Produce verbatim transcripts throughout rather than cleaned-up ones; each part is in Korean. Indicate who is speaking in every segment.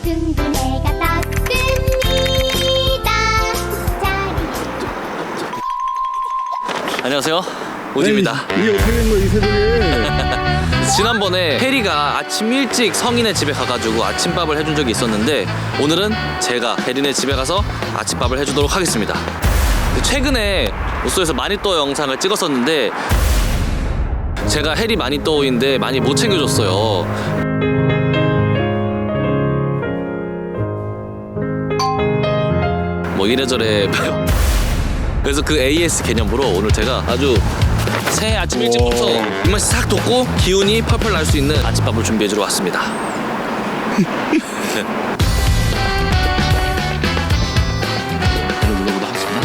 Speaker 1: 등도 내가 땄습니다.
Speaker 2: 안녕하세요, 오지입니다.
Speaker 3: 이게 어떻게 된 거야 이 새벽에?
Speaker 2: 지난번에 혜리가 아침 일찍 성인의 집에 가가지고 아침밥을 해준 적이 있었는데 오늘은 제가 혜린의 집에 가서 아침밥을 해주도록 하겠습니다. 최근에 우소에서 마니또 영상을 찍었었는데 제가 혜리 마니또인데 많이 못 챙겨줬어요. 뭐 이래저래 그래서 그 에이에스 개념으로 오늘 제가 아주 새해 아침 일찍부터 입맛이 싹 돋고 기운이 펄펄 날 수 있는 아침밥을 준비해주러 왔습니다. 물어보도록 하겠습니다.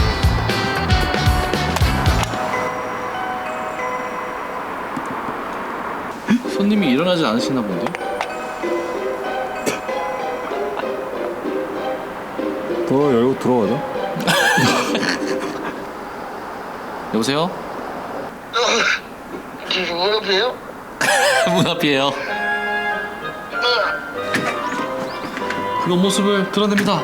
Speaker 2: 손님이 일어나지 않으시나 본데?
Speaker 3: 더 열고 들어가자.
Speaker 2: 여보세요?
Speaker 4: 지금 문 앞이에요?
Speaker 2: 문 앞이에요. 그 모습을 드러냅니다.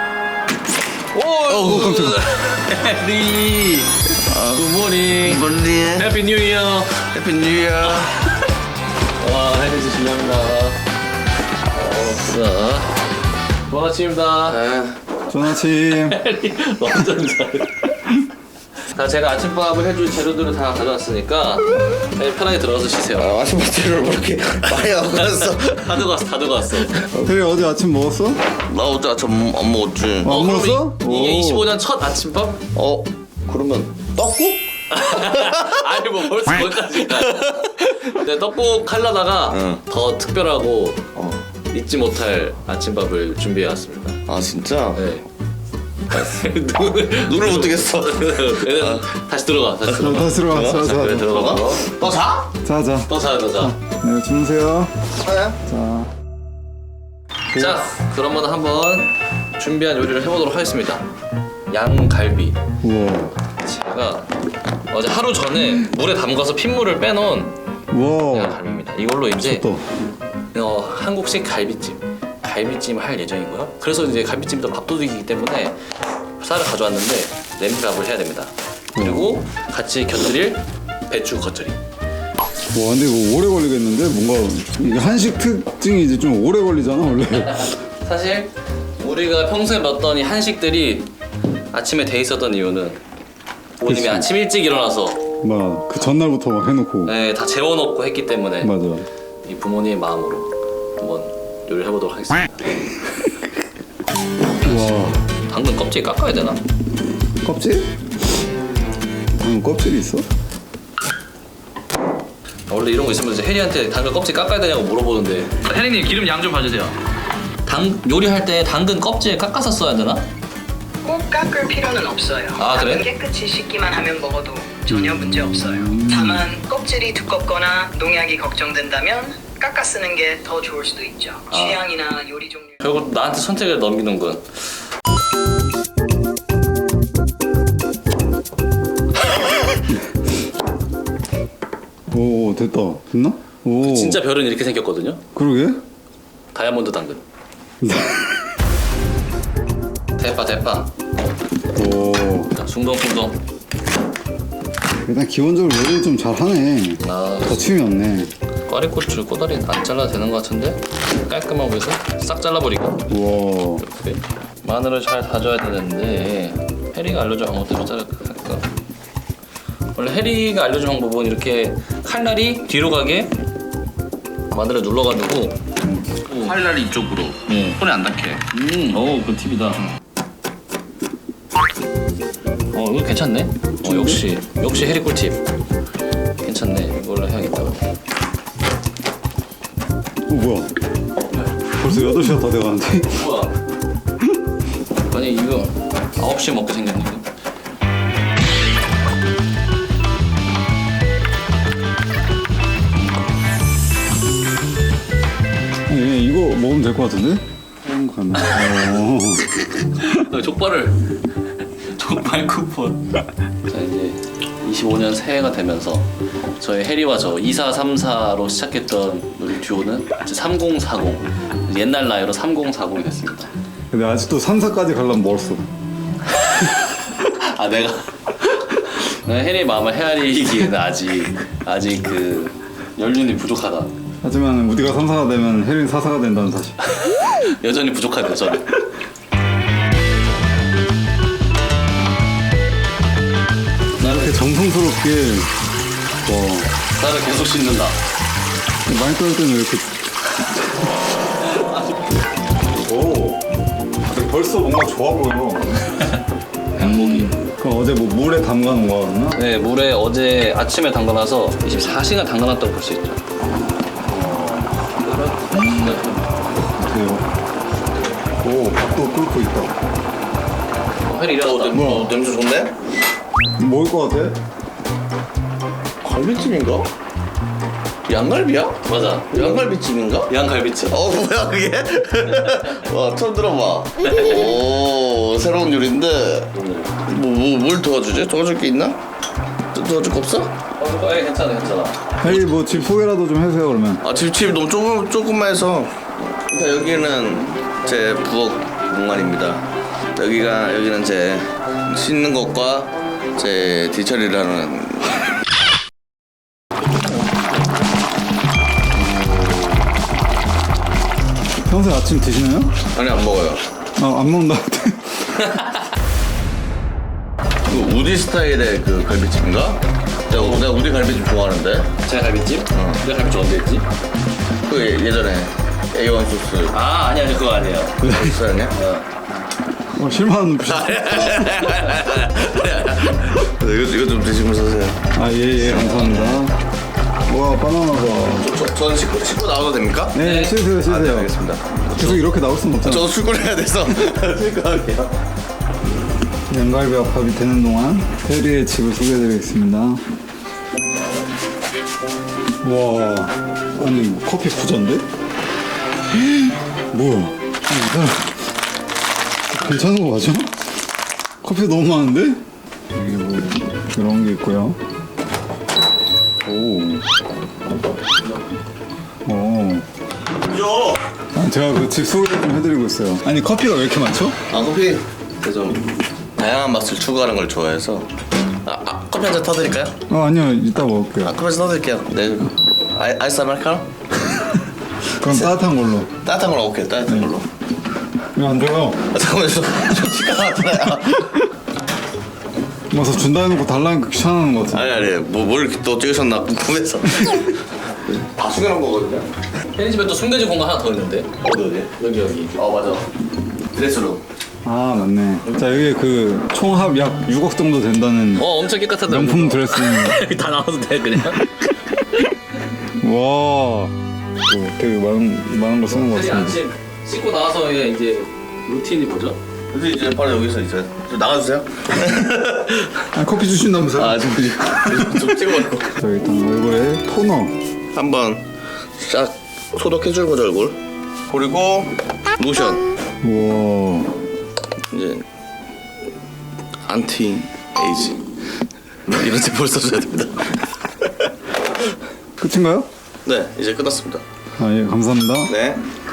Speaker 2: 오, 깜짝이야. 혜리, 굿모닝.
Speaker 4: 뭔데?
Speaker 2: 해피 뉴 이어.
Speaker 4: 해피 뉴 이어.
Speaker 2: 와, 혜리 씨 실례합니다. 어, 자, 좋은 아침입니다.
Speaker 3: 좋은 아침.
Speaker 2: 혜리 완전 잘해. 자, 제가 아침밥을 해줄 재료들을 다 가져왔으니까 네, 편하게 들어가서 쉬세요.
Speaker 4: 아, 아침 밥들을 왜 이렇게 많이 하고 갔어?
Speaker 2: 다 들고 왔어, 다 들고 왔어.
Speaker 3: 혜리 어제 아침 먹었어?
Speaker 4: 나 어제 아침 안 먹었지.
Speaker 3: 어, 안
Speaker 2: 그럼
Speaker 3: 먹었어?
Speaker 2: 이, 이게
Speaker 3: 오.
Speaker 2: 이십오 년 첫 아침밥?
Speaker 4: 어, 그러면 떡국?
Speaker 2: 아니 뭐 벌써 거기까지 가. 네, 떡국 하려다가
Speaker 4: 응.
Speaker 2: 더 특별하고
Speaker 4: 어.
Speaker 2: 잊지 못할 아침밥을 준비해왔습니다.
Speaker 4: 아 진짜?
Speaker 2: 네. 눈을
Speaker 4: 눈을 못 뜨겠어.
Speaker 2: 얘는 다시 들어가, 다시
Speaker 3: 자,
Speaker 2: 들어가.
Speaker 3: 다시 들어가. 자, 자,
Speaker 2: 그래,
Speaker 3: 자.
Speaker 2: 들어가.
Speaker 4: 너 자?
Speaker 3: 자, 자.
Speaker 2: 또 자, 또 자.
Speaker 3: 네, 주무세요.
Speaker 4: 네.
Speaker 3: 자.
Speaker 2: 자, 그러면 한번 준비한 요리를 해보도록 하겠습니다. 양갈비.
Speaker 3: 우와.
Speaker 2: 제가 어제 하루 전에 물에 담가서 핏물을 빼놓은
Speaker 3: 우와.
Speaker 2: 양갈비입니다. 이걸로 이제
Speaker 3: 또.
Speaker 2: 어, 한국식 갈비찜. 갈비찜을 할 예정이고요. 그래서 이제 갈비찜도 밥도둑이기 때문에 쌀을 가져왔는데 냄비밥을 해야 됩니다. 그리고 같이 곁들일 배추 겉절이.
Speaker 3: 와, 근데 이거 오래 걸리겠는데? 뭔가 이게 한식 특징이 이제 좀 오래 걸리잖아 원래.
Speaker 2: 사실 우리가 평소에 먹던 이 한식들이 아침에 돼 있었던 이유는 부모님이
Speaker 3: 그치.
Speaker 2: 아침 일찍 일어나서
Speaker 3: 막 그 전날부터 막 해놓고.
Speaker 2: 네, 다 재워놓고 했기 때문에
Speaker 3: 맞아.
Speaker 2: 이 부모님의 마음으로 한번 요리를 해보도록 하겠습니다.
Speaker 3: 와.
Speaker 2: 당근 껍질 깎아야 되나?
Speaker 3: 껍질? 응, 껍질이 있어?
Speaker 2: 원래 이런 거 있으면 이제 혜리한테 당근 껍질 깎아야 되냐고 물어보는데 혜리님 기름 양 좀 봐주세요. 당 요리할 때 당근 껍질 깎아서 써야 되나?
Speaker 5: 꼭 깎을 필요는 없어요.
Speaker 2: 아, 그래?
Speaker 5: 깨끗이 씻기만 하면 먹어도 전혀 문제 없어요. 다만 껍질이 두껍거나 농약이 걱정된다면 깎아 쓰는 게 더 좋을 수도 있죠. 취향이나 요리 종류.
Speaker 2: 결국 나한테 선택을 넘기는군.
Speaker 3: 오, 됐다. 됐나? 오.
Speaker 2: 진짜 별은 이렇게 생겼거든요.
Speaker 3: 그러게?
Speaker 2: 다이아몬드 당근. 대파 대파.
Speaker 3: 오.
Speaker 2: 자, 숭덩숭덩.
Speaker 3: 일단 기본적으로 요리 좀 잘하네.
Speaker 2: 아,
Speaker 3: 거침이 없네.
Speaker 2: 꽈리고추 꼬다리 안 잘라도 되는 것 같은데 깔끔하고 해서 싹 잘라버리고
Speaker 3: 우와.
Speaker 2: 이렇게 마늘을 잘 다져야 되는데 혜리가 알려준 방법대로 자를까? 원래 혜리가 알려준 방법은 이렇게 칼날이 뒤로 가게 마늘을 눌러가지고
Speaker 4: 칼날이 이쪽으로.
Speaker 2: 네.
Speaker 4: 손에 안 닿게.
Speaker 2: 음, 오, 그 팁이다. 어, 이거 괜찮네. 어, 역시 역시 혜리 꿀팁. 괜찮네. 이걸로 해야겠다.
Speaker 3: 어, 뭐야? 벌써 여덟 시가 다 돼가는데?
Speaker 2: 뭐야? 아니 이거 아홉 시에 먹게 생겼네. 이거.
Speaker 3: 예, 이거 먹으면 될 것 같은데? 음, 가면. 어.
Speaker 2: 족발을 족발 쿠폰. 자 이제 이십오 년 새해가 되면서 저희 해리와 저 이사삼사로 시작했던 우리 듀오는 이제 삼공사공, 옛날 나이로 삼공사공이 됐습니다.
Speaker 3: 근데 아직도 삼사까지 가려면 멀었어.
Speaker 2: 아 내가 내가 해리의 마음을 헤아리기에는 아직 아직 그 연륜이 부족하다.
Speaker 3: 하지만 우리가 삼사가 되면 혜린 사사가 된다는 사실.
Speaker 2: 여전히 부족하대요 저는.
Speaker 3: 이렇게 정성스럽게 어,
Speaker 2: 쌀을 계속 씻는다.
Speaker 3: 많이 떠올 때는 왜 이렇게 오 벌써 뭔가 좋아 보여.
Speaker 2: 양고기.
Speaker 3: 그럼 어제 뭐 물에 담가 놓은 거였나?
Speaker 2: 네, 물에 어제 아침에 담가놔서 이십사 시간 담가놨다고 볼 수 있죠.
Speaker 3: 오 밥도 끓고 있다.
Speaker 2: 어, 해리 일어났다.
Speaker 4: 뭐 냄새 좋네?
Speaker 3: 먹을 것 같아?
Speaker 4: 갈비찜인가? 양갈비야?
Speaker 2: 맞아.
Speaker 4: 양갈비찜인가?
Speaker 2: 양갈비찜.
Speaker 4: 어 뭐야 그게? 와 처음 들어봐. 오 새로운 요리인데 뭐뭘 도와주지? 도와줄 게 있나? 도, 도와줄 거 없어?
Speaker 2: 어, 예, 괜찮아, 괜찮아.
Speaker 3: 혜리 뭐 집 소개라도 좀 해주세요 그러면.
Speaker 4: 아 집집 너무 조금 조금만 해서 일단 여기는 제 부엌 공간입니다. 여기가 여기는 제 씻는 것과 제 뒤처리를 하는.
Speaker 3: 평소에 아침 드시나요?
Speaker 4: 아니 안 먹어요.
Speaker 3: 아 안 먹는다.
Speaker 4: 그 우디 스타일의 그 갈비찜인가? 내가, 내가 우디 갈비찜 좋아하는데.
Speaker 2: 제가 갈비찜? 어. 내가 갈비찜 언제 했지?
Speaker 4: 그 예- 예전에 에이 원 소스
Speaker 2: 아, 아니, 아니, 그거 아니에요.
Speaker 4: 소스 아니야?
Speaker 3: 어, 실망하는 눈빛.
Speaker 4: 이거 이거 좀 드시면서 하세요.
Speaker 3: 아예예 감사합니다. 와 바나나가.
Speaker 4: 저, 저는 씻고, 씻고 나와도 됩니까?
Speaker 3: 네 쉬세요 쉬세요.
Speaker 4: 아, 네, 알겠습니다.
Speaker 3: 계속 이렇게 나올 수는 없잖아.
Speaker 4: 저도 출근을 해야 돼서 씻고 갈게요.
Speaker 3: 양갈비와 밥이 되는 동안 혜리의 집을 소개해드리겠습니다. 와, 아니 뭐 커피 부자인데? 뭐야? 아니, 이 사람 괜찮은 거 맞아? 커피 너무 많은데? 여기 뭐 이런 게 있고요. 오, 오.
Speaker 4: 요.
Speaker 3: 아, 제가 그 집 소개 좀 해드리고 있어요. 아니 커피가 왜 이렇게 많죠?
Speaker 4: 아 커피 좀 다양한 맛을 추구하는 걸 좋아해서 아, 아 커피 한 잔 타드릴까요?
Speaker 3: 어 아니요 이따 먹을게요.
Speaker 4: 아 커피 한 잔 타드릴게요. 네. 아이, 아이스 아메리카노?
Speaker 3: 그럼 따뜻한 걸로.
Speaker 4: 따뜻한 걸로 오케이 따뜻한 걸로.
Speaker 3: 왜 안 줘요?
Speaker 4: 아, 잠깐만요. 저, 저 치과 나왔잖아요.
Speaker 3: 와서 준다 해놓고 달라니까 귀찮아하는 것 같아.
Speaker 4: 아니 아니 뭐뭘 이렇게 또 찍으셨나 궁금해서. 다 숨겨놓은 거거든요.
Speaker 2: 혜리 집에 또 숨겨진 공간 하나 더 있는데?
Speaker 4: 어디 어디?
Speaker 2: 여기, 여기.
Speaker 4: 어 맞아. 드레스룸.
Speaker 3: 아 맞네. 자 여기 그 총합 약 육억 정도 된다는
Speaker 2: 어, 엄청 깨끗하다.
Speaker 3: 명품 드레스입니다.
Speaker 2: 여기 다 나와도 돼, 그냥?
Speaker 3: 와, 오, 되게 많은 많은 거 쓰는 것
Speaker 2: 혜리
Speaker 3: 같습니다.
Speaker 2: 아침 씻고 나와서 이제 루틴이 뭐죠?
Speaker 4: 근데 이제 바로 여기서 이제 좀 나가주세요.
Speaker 3: 아, 커피 주신다면서요?
Speaker 4: 아 좀, 좀 찍어놓고.
Speaker 3: 자 일단 얼굴에 토너.
Speaker 4: 한번 싹 소독해주는 거죠 얼굴. 그리고 로션.
Speaker 3: 우와.
Speaker 4: 이제 안티 에이지 이런 제품을 써줘야 됩니다.
Speaker 3: 끝인가요?
Speaker 4: 네 이제 끝났습니다.
Speaker 3: 아 예 감사합니다.
Speaker 4: 네.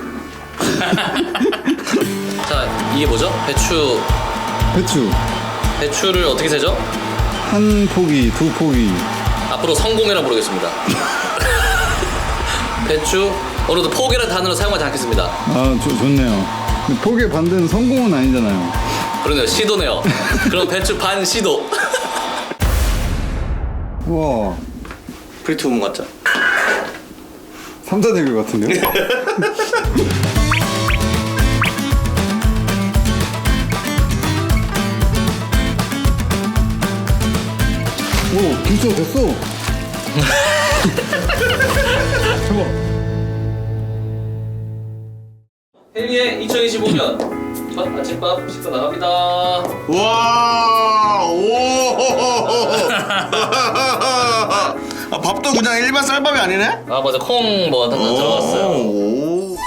Speaker 2: 자, 이게 뭐죠? 배추.
Speaker 3: 배추
Speaker 2: 배추를 어떻게 세죠?
Speaker 3: 한 포기, 두 포기.
Speaker 2: 앞으로 성공이라 부르겠습니다. 배추. 오늘도 포기라는 단어를 사용하지 않겠습니다.
Speaker 3: 아 좋, 좋네요. 근데 포기의 반대는 성공은 아니잖아요.
Speaker 2: 그러네요. 시도네요. 그럼 배추 반 시도.
Speaker 3: 우와.
Speaker 4: 프리티 우먼 같죠?
Speaker 3: 삼자 대결 같은데요? 오, 김치가 됐어. 대박.
Speaker 2: 혜리의 이천이십오 년 첫 아침밥 씻고 나갑니다.
Speaker 4: 와, 오. 아, 밥도 그냥 일반 쌀밥이 아니네?
Speaker 2: 아 맞아, 콩 뭐 하나 들어갔어요.
Speaker 4: 오.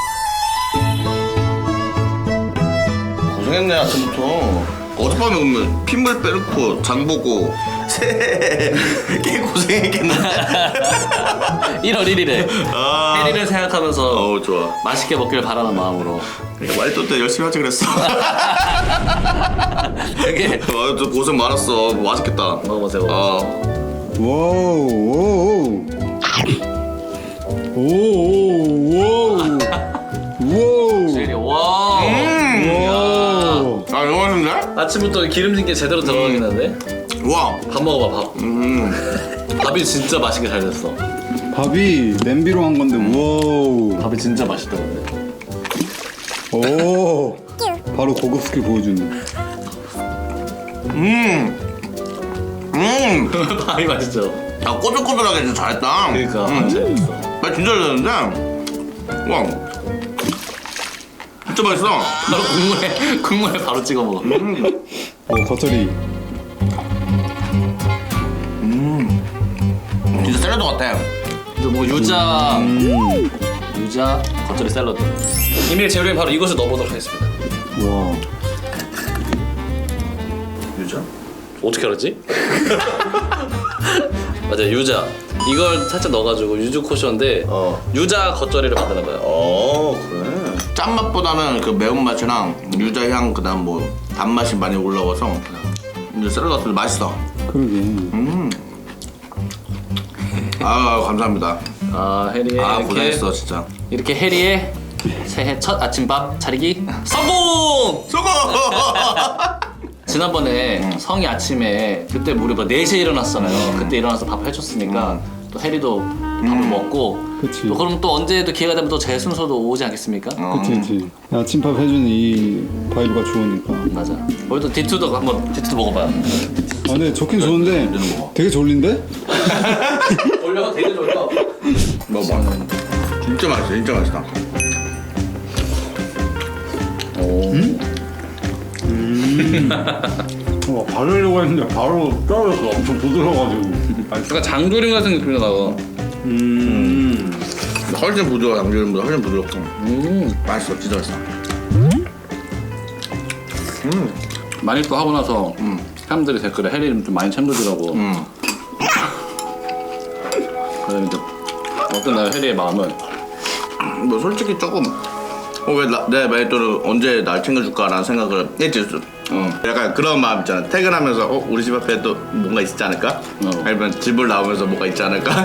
Speaker 4: 고생했네 아침부터. 어젯밤에 오면 핏물 빼놓고 장 보고 어제 꽤 고생했겠는데.
Speaker 2: 일월 일일에
Speaker 4: 아.
Speaker 2: 해리를 생각하면서
Speaker 4: 어우 좋아.
Speaker 2: 맛있게 먹길 바라는 마음으로.
Speaker 4: 말도 때 열심히 하지 그랬어.
Speaker 2: 되게
Speaker 4: 아, 또 고생 많았어. 맛있겠다.
Speaker 2: 먹어보세요.
Speaker 4: 아,
Speaker 3: 와우 오오 오오오 와우
Speaker 2: 제리 와.
Speaker 3: 와우
Speaker 4: 아 너무 맛있는데?
Speaker 2: 아침부터 기름진 게 제대로 들어가겠는데?
Speaker 4: 와.
Speaker 2: 밥 먹어봐 밥.
Speaker 4: 음.
Speaker 2: 밥이 진짜 맛있게 잘 됐어.
Speaker 3: 밥이 냄비로 한 건데 와우
Speaker 2: 밥이 진짜 맛있던데.
Speaker 3: 오 바로 고급 스킬 보여주네.
Speaker 4: 음. 음.
Speaker 2: 밥이 맛있죠.
Speaker 4: 아 꼬들꼬들하게 진짜 잘했다.
Speaker 2: 그러니까
Speaker 4: 음.
Speaker 2: 잘 됐어.
Speaker 4: 나 진짜 잘했는데. 와. 진짜 맛있어.
Speaker 2: 바로 국물에 국물에 바로 찍어 먹어.
Speaker 4: 음.
Speaker 3: 오 겉절이
Speaker 4: 진짜 샐러드 같아.
Speaker 2: 그래서 뭐 유자
Speaker 3: 음.
Speaker 2: 유자 겉절이 샐러드. 이미 재료에 바로 이것을 넣어보도록 하겠습니다.
Speaker 3: 와
Speaker 4: 유자?
Speaker 2: 어떻게 알았지? 맞아 유자. 이걸 살짝 넣어가지고 유주 코션인데
Speaker 4: 어.
Speaker 2: 유자 겉절이를 만드는 거예요.
Speaker 4: 어 그래. 짠맛보다는 그 매운맛이랑 유자향 그다음 뭐 단맛이 많이 올라와서 이제 샐러드 같은데 맛있어.
Speaker 3: 그러게.
Speaker 4: 음. 아 감사합니다.
Speaker 2: 아 해리의
Speaker 4: 아
Speaker 2: 이렇게
Speaker 4: 고생했어 진짜.
Speaker 2: 이렇게 해리의 새해 첫 아침밥 차리기 성공!
Speaker 4: 수고.
Speaker 2: 지난번에 성이 아침에 그때 우리 뭐 네 시에 일어났잖아요. 그때 일어나서 밥 해줬으니까 또 해리도 밥을 먹고
Speaker 3: 그치.
Speaker 2: 또 그럼 또 언제 또 기회가 되면 또 제 순서도 오지 않겠습니까?
Speaker 3: 그치 그치. 아침밥 해주는 이 바이브가 좋으니까.
Speaker 2: 맞아. 우리도 디투도 한번 디투도 먹어봐요.
Speaker 3: 아 근데 좋긴 좋은데 되게 졸린데?
Speaker 2: 올려가 되게 좋을까?
Speaker 4: 먹어봐. 진짜 맛있어 진짜 맛있다.
Speaker 3: 와 바르려고 했는데 바로 떨어졌어. 엄청 부드러워가지고.
Speaker 2: 약간 장조림 같은 느낌이 나고.
Speaker 3: 음.
Speaker 4: 훨씬 부드러워 양조림보다 훨씬 부드럽고.
Speaker 2: 음.
Speaker 4: 맛있어 진짜 맛있어. 음.
Speaker 2: 많이 또 하고 나서
Speaker 4: 음.
Speaker 2: 사람들이 댓글에 해리를 좀 많이 챙겨주라고.
Speaker 4: 음.
Speaker 2: 그래서 이제 어떤 날 해리의 마음은
Speaker 4: 뭐 솔직히 조금 어, 왜 나, 내 말도를 언제 날 챙겨줄까라는 생각을 했지. 어. 약간 그런 마음 있잖아. 퇴근하면서 어 우리 집 앞에 또 뭔가 있지 않을까?
Speaker 2: 어.
Speaker 4: 아니면 집을 나오면서 뭔가 있지 않을까?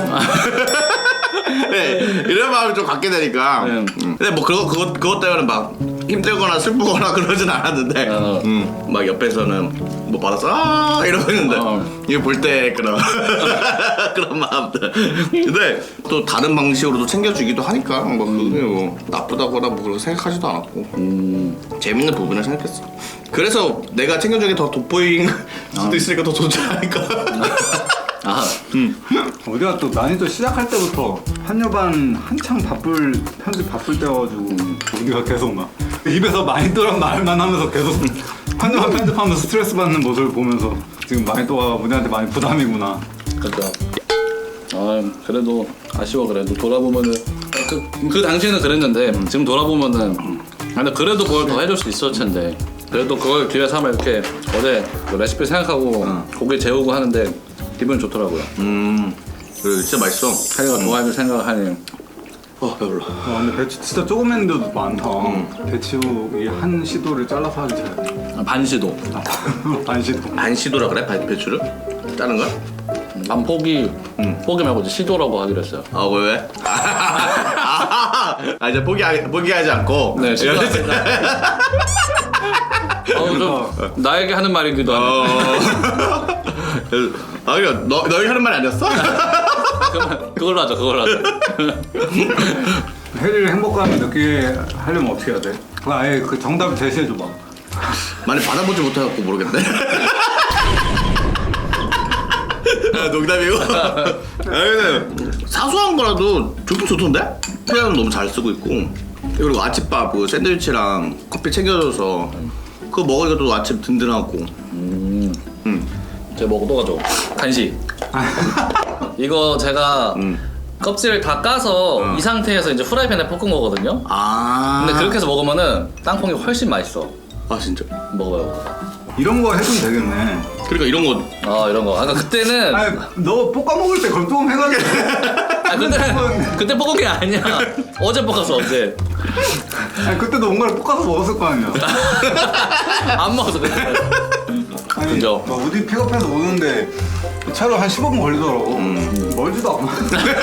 Speaker 4: 네, 이런 마음을 좀 갖게 되니까.
Speaker 2: 네.
Speaker 4: 음. 근데 뭐 그거 그것 그것 때문에 막 힘들거나 슬프거나 그러진 않았는데,
Speaker 2: 어.
Speaker 4: 음, 막 옆에서는 뭐 받았어 아 이러고 있는데
Speaker 2: 어.
Speaker 4: 이거 볼 때 그런 그런 마음들. 근데 또 다른 방식으로도 챙겨주기도 하니까 뭐 그게 뭐 나쁘다거나 뭐 그런 생각하지도 않았고
Speaker 2: 음.
Speaker 4: 재밌는 부분을 생각했어. 그래서 내가 챙겨준 게 더 돋보인 수도 있으니까 더 좋지 않을까.
Speaker 2: 아
Speaker 3: 우리가 또 난이도 시작할 때부터 한여반 한창 바쁠 편집 바쁠 때여가지고 우리가 계속 막 입에서 난이도란 말만 하면서 계속 한여반 편집하면서 스트레스 받는 모습을 보면서 지금 난이도가 우리한테 많이 부담이구나.
Speaker 2: 그러니까 아 그래도 아쉬워. 그래도 돌아보면은 그, 그 당시에는 그랬는데 지금 돌아보면은 아, 근데 그래도 그걸 더 해줄 수 있었을 텐데 그래도 그걸 기회 삼아 이렇게 어제 그 레시피 생각하고 고기 재우고 하는데 기분이 좋더라고요.
Speaker 4: 음, 그래 진짜 맛있어.
Speaker 2: 하리가 좋아해줄 생각을 하니
Speaker 4: 어 배불러.
Speaker 3: 와 근데 배추 진짜 조금 했는데도 많다. 배추 이 한 시도를 잘라서 하기 잘해.
Speaker 2: 아, 반시도
Speaker 3: 반 시도.
Speaker 4: 안 시도라 그래 배- 배추를? 짜는 거야?
Speaker 2: 난 포기 포기 말고 이제 시도라고 하기로 했어요.
Speaker 4: 아 왜 왜? 아, 아 이제 포기 포기하지 않고.
Speaker 2: 네, 시도하겠습니다. 어, 좀 나에게 하는 말이기도 하네.
Speaker 4: 어. 아 그래 너 너희 하는 말이 아니었어?
Speaker 2: 그러면 그걸로 하자. 그걸로 하자.
Speaker 3: 해리를 행복감을 느끼게 하려면 어떻게 해야 돼? 그 아예 그 정답을 제시해줘봐.
Speaker 4: 많이 받아보지 못해갖고 모르겠네. 아, 농담이고. 아, 근데 사소한 거라도 좋긴 좋던데? 표현은 너무 잘 쓰고 있고. 그리고 아침밥 그 샌드위치랑 커피 챙겨줘서 그거 먹으니까 또 아침 든든하고.
Speaker 2: 음.
Speaker 4: 음.
Speaker 2: 제가 먹어 또 가져. 간식. 이거 제가
Speaker 4: 음.
Speaker 2: 껍질을 다 까서
Speaker 4: 음.
Speaker 2: 이 상태에서 이제 후라이팬에 볶은 거거든요.
Speaker 4: 아.
Speaker 2: 근데 그렇게 해서 먹으면은 땅콩이 훨씬 맛있어.
Speaker 4: 아 진짜.
Speaker 2: 먹어요.
Speaker 3: 이런 거 해주면 되겠네.
Speaker 4: 그러니까 이런 거
Speaker 2: 아 이런 거. 아까 그때는
Speaker 3: 아니 너 볶아 먹을 때 그럼 조금 해가지고.
Speaker 2: 아 그때 그때 볶은 게 아니야. 어제 볶았어 어제.
Speaker 3: 아니 그때도 뭔가를 볶아서 먹었을 거 아니야.
Speaker 2: 안 먹었어 그때.
Speaker 3: 아니
Speaker 2: 그죠.
Speaker 3: 나 어디 픽업해서 오는데 차로 한 십오 분 걸리더라고. 멀지도 않아.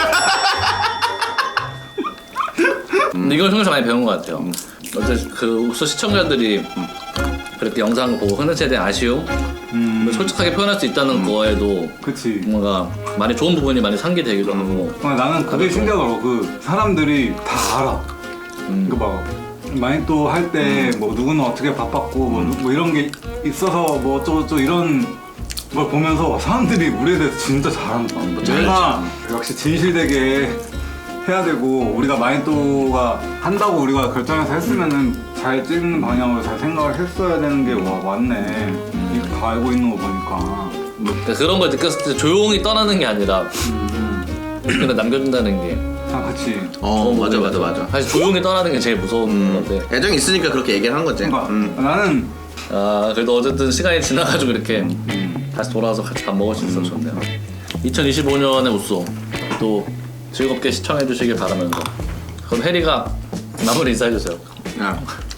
Speaker 2: 근데 이걸 통해서 많이 배운 것 같아요. 어제 그 옥수 시청자들이 그렇게 영상을 보고 흔들체에 대한 아쉬움,
Speaker 3: 음.
Speaker 2: 솔직하게 표현할 수 있다는 거에도
Speaker 3: 그치.
Speaker 2: 뭔가 많이 좋은 부분이 많이 상기되기도 하고.
Speaker 3: 아, 나는 그게
Speaker 2: 그렇죠.
Speaker 3: 신기하더라고. 그 사람들이 다 알아.
Speaker 2: 음.
Speaker 3: 그 막 마니또 할 때 뭐 누구는 어떻게 바빴고 뭐, 누- 뭐 이런 게 있어서 뭐 어쩌고저쩌고 이런 걸 보면서 사람들이 우리에 대해서 진짜 잘한다. 뭔가 역시 진실되게 해야 되고 우리가 마니또가 한다고 우리가 결정해서 했으면은 잘 찍는 방향으로 잘 생각을 했어야 되는 게 와 맞네. 이거 다 알고 있는 거 보니까.
Speaker 2: 그러니까 그런 걸 느꼈을 때 조용히 떠나는 게 아니라 그냥 남겨준다는 게.
Speaker 3: 아 그치.
Speaker 4: 어
Speaker 2: 좋은
Speaker 4: 맞아 맞아
Speaker 2: 부분이죠.
Speaker 4: 맞아.
Speaker 2: 사실 조용히 떠나는 게 제일 무서운 건데.
Speaker 4: 애정이 있으니까 그렇게 얘기를 한 거지.
Speaker 3: 그러니까
Speaker 4: 음.
Speaker 3: 나는
Speaker 2: 아 그래도 어쨌든 시간이 지나가지고 이렇게 다시 돌아와서 같이 밥 먹을 수 있어서 좋네요. 이천이십오 년의 우쏘 또 즐겁게 시청해 주시길 바라면서 그럼 해리가 마무리 인사해 주세요.
Speaker 4: 야.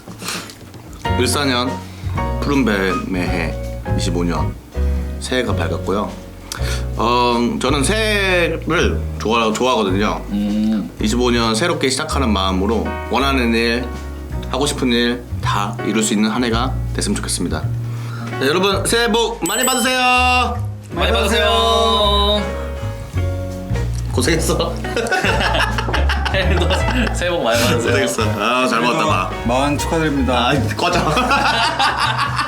Speaker 4: 일사년 푸른 뱀의 해 이십오 년 새해가 밝았고요. 어 저는 새해를 좋아 좋아하거든요.
Speaker 2: 음,
Speaker 4: 이십오 년 새롭게 시작하는 마음으로 원하는 일, 하고 싶은 일 다 이룰 수 있는 한 해가 됐으면 좋겠습니다. 네, 여러분 새해 복 많이 받으세요.
Speaker 2: 많이 받으세요.
Speaker 4: 고생했어.
Speaker 2: 해리도 새해 복 많이 받으세요.
Speaker 4: 고생했어. 아 잘 먹었다 봐.
Speaker 3: 마흔 축하드립니다.
Speaker 4: 아 꺼져.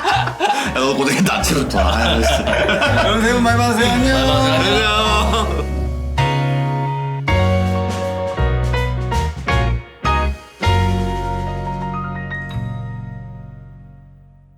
Speaker 4: 야, 너 고생했다 아침부터. 아,
Speaker 3: 여러분 새해 복 많이 받으세요. 안녕.
Speaker 2: 많이 받으세요.
Speaker 4: 안녕.